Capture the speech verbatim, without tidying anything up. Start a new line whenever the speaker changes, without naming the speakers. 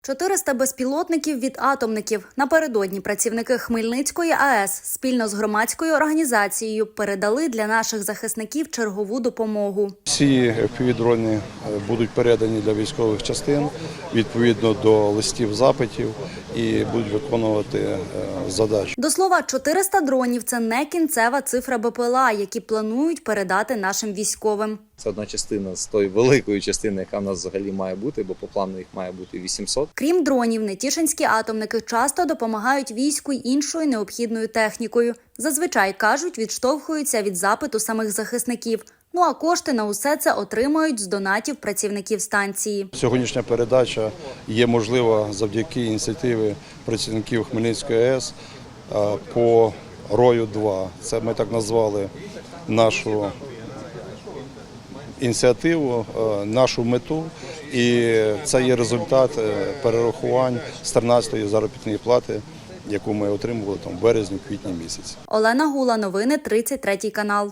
чотириста безпілотників від атомників. Напередодні працівники Хмельницької АЕС спільно з громадською організацією передали для наших захисників чергову допомогу.
Всі еф пі ві-дрони будуть передані для військових частин відповідно до листів запитів і будуть виконувати задачі.
До слова, чотириста дронів – це не кінцева цифра Б П Л А, які планують передати нашим військовим.
Це одна частина з тої великої частини, яка в нас взагалі має бути, бо по плану їх має бути вісімсот.
Крім дронів, нетішинські атомники часто допомагають війську й іншою необхідною технікою. Зазвичай, кажуть, відштовхуються від запиту самих захисників. Ну а кошти на усе це отримують з донатів працівників станції.
Сьогоднішня передача є можлива завдяки ініціативі працівників Хмельницької АЕС по Рою два. Це ми так назвали нашу ініціативу, нашу мету, і це є результат перерахувань з тринадцятої заробітної плати, яку ми отримували там в березні-квітні місяці.
Олена Гула, новини тридцять третій канал.